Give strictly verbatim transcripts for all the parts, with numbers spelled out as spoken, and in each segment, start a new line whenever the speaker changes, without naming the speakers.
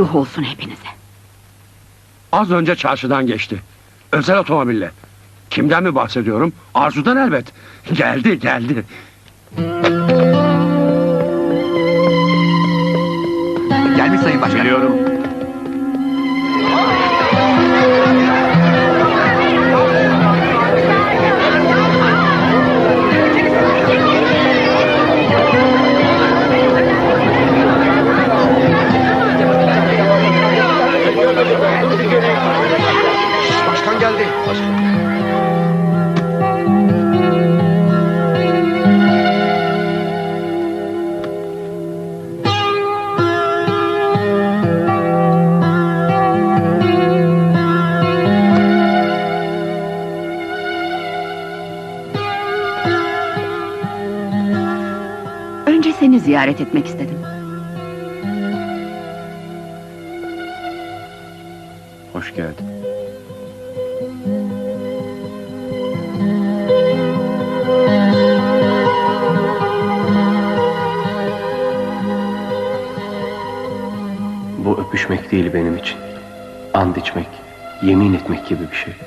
Yuh olsun hepinize.
Az önce çarşıdan geçti. Özel otomobille. Kimden mi bahsediyorum? Arzu'dan elbet. Geldi, geldi.
Gelmiş Sayın Başkanım.
Biliyorum.
Başkan geldi.
Önce seni ziyaret etmek istedim.
Hoş geldin.
Bu öpüşmek değil benim için. And içmek, yemin etmek gibi bir şey.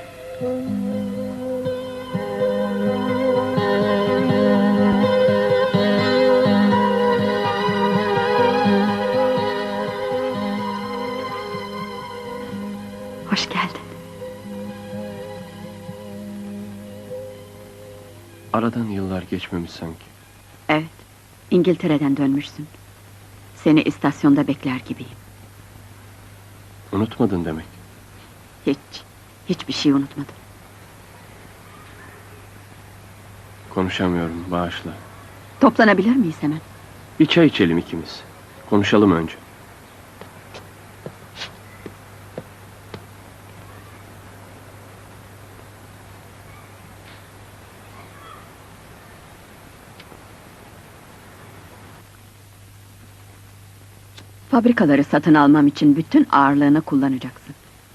Hoş geldin.
Aradan yıllar geçmemiş sanki.
Evet, İngiltere'den dönmüşsün. Seni istasyonda bekler gibiyim.
Unutmadın demek.
Hiç, hiçbir şey unutmadım.
Konuşamıyorum, bağışla.
Toplanabilir miyiz hemen?
Bir çay içelim ikimiz. Konuşalım önce.
Fabrikaları satın almam için bütün ağırlığını kullanacaksın.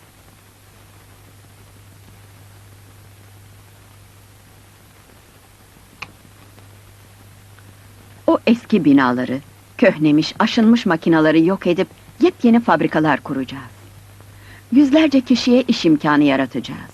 O eski binaları, köhnemiş, aşınmış makinaları yok edip yepyeni fabrikalar kuracağız. Yüzlerce kişiye iş imkanı yaratacağız.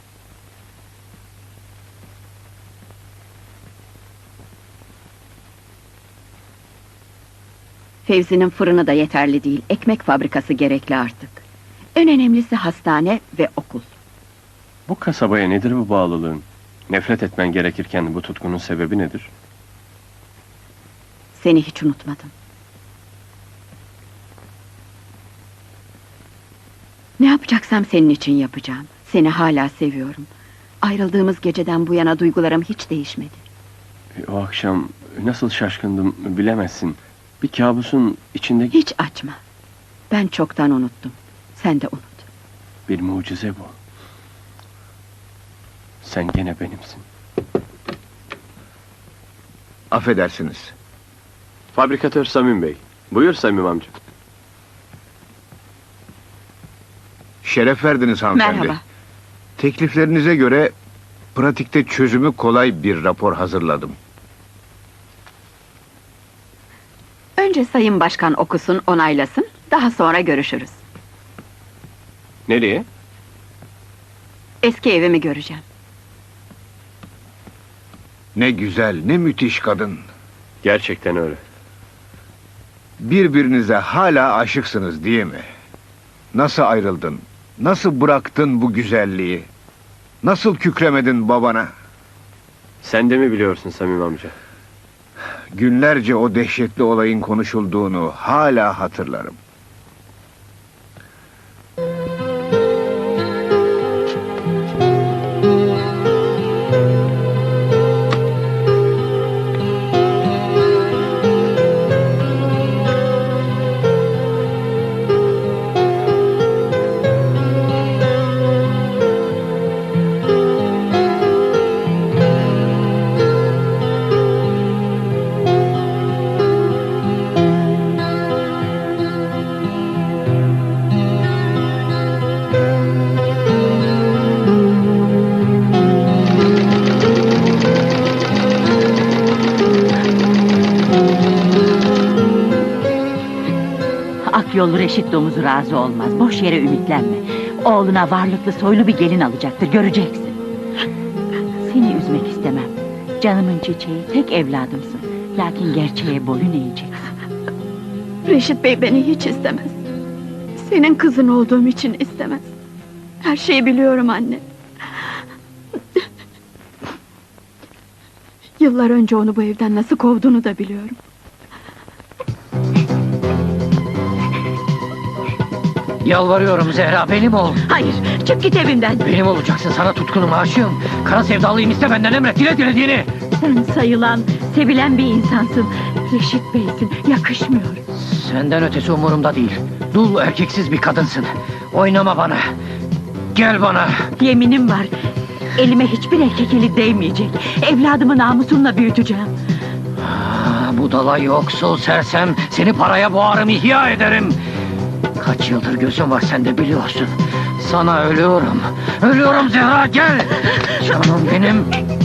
Fevzi'nin fırını da yeterli değil, ekmek fabrikası gerekli artık. En önemlisi hastane ve okul.
Bu kasabaya nedir bu bağlılığın? Nefret etmen gerekirken bu tutkunun sebebi nedir?
Seni hiç unutmadım. Ne yapacaksam senin için yapacağım. Seni hala seviyorum. Ayrıldığımız geceden bu yana duygularım hiç değişmedi.
O akşam nasıl şaşkındım bilemezsin. Bir kabusun içinde...
Hiç açma. Ben çoktan unuttum. Sen de unut.
Bir mucize bu. Sen gene benimsin.
Affedersiniz.
Fabrikatör Samim Bey. Buyur Samim amca.
Şeref verdiniz hanımefendi.
Merhaba.
Tekliflerinize göre pratikte çözümü kolay bir rapor hazırladım.
Önce Sayın Başkan okusun, onaylasın. Daha sonra görüşürüz.
Nereye?
Eski evimi göreceğim.
Ne güzel, ne müthiş kadın.
Gerçekten öyle.
Birbirinize hala aşıksınız değil mi? Nasıl ayrıldın? Nasıl bıraktın bu güzelliği? Nasıl kükremedin babana?
Sen de mi biliyorsun Samim amca?
Günlerce o dehşetli olayın konuşulduğunu hala hatırlarım.
yollu Reşit domuzu razı olmaz. Boş yere ümitlenme. Oğluna varlıklı soylu bir gelin alacaktır, göreceksin. Seni üzmek istemem. Canımın çiçeği, tek evladımsın. Lakin gerçeğe boyun eğeceksin.
Reşit Bey beni hiç istemez. Senin kızın olduğum için istemez. Her şeyi biliyorum anne. Yıllar önce onu bu evden nasıl kovduğunu da biliyorum.
Yalvarıyorum Zehra, benim ol.
Hayır, çık git evimden.
Benim olacaksın, sana tutkunum, aşığım. Kara sevdalıyım, iste benden, emret, dile dilediğini.
Sen sayılan, sevilen bir insansın. Reşit Bey'sin, yakışmıyor.
Senden ötesi umurumda değil. Dul erkeksiz bir kadınsın. Oynama bana. Gel bana.
Yeminim var. Elime hiçbir erkek eli değmeyecek. Evladımı namusumla büyüteceğim.
Aa, budala yoksul sersem, seni paraya boğarım, ihya ederim. Kaç yıldır gözüm var, sen de biliyorsun. Sana ölüyorum. Ölüyorum Zehra, gel. Canım benim.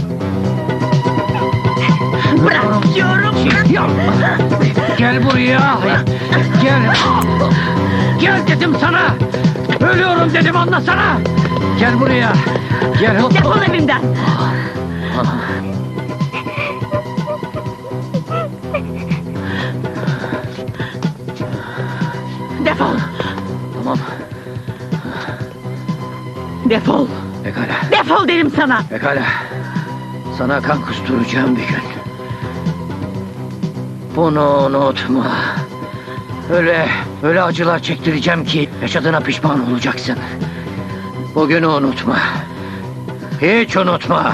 Bırak diyorum.
Yapma. Gel buraya. Gel. Gel dedim sana. Ölüyorum dedim, anlasana. Gel buraya. Gel.
Defol evimden. Defol.
Tamam.
Defol.
Pekala.
Defol derim sana.
Pekala. Sana kan kusturacağım bir gün. Bunu unutma. Öyle, öyle acılar çektireceğim ki yaşadığına pişman olacaksın. Bugünü unutma. Hiç unutma.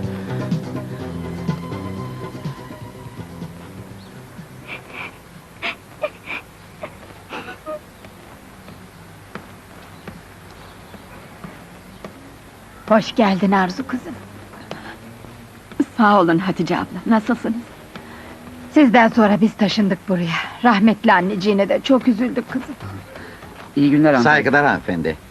Hoş geldin Arzu kızım. Sağ olun Hatice abla, nasılsınız?
Sizden sonra biz taşındık buraya. Rahmetli anneciğine de çok üzüldük kızım.
İyi günler hanımefendi. Saygılar hanımefendi.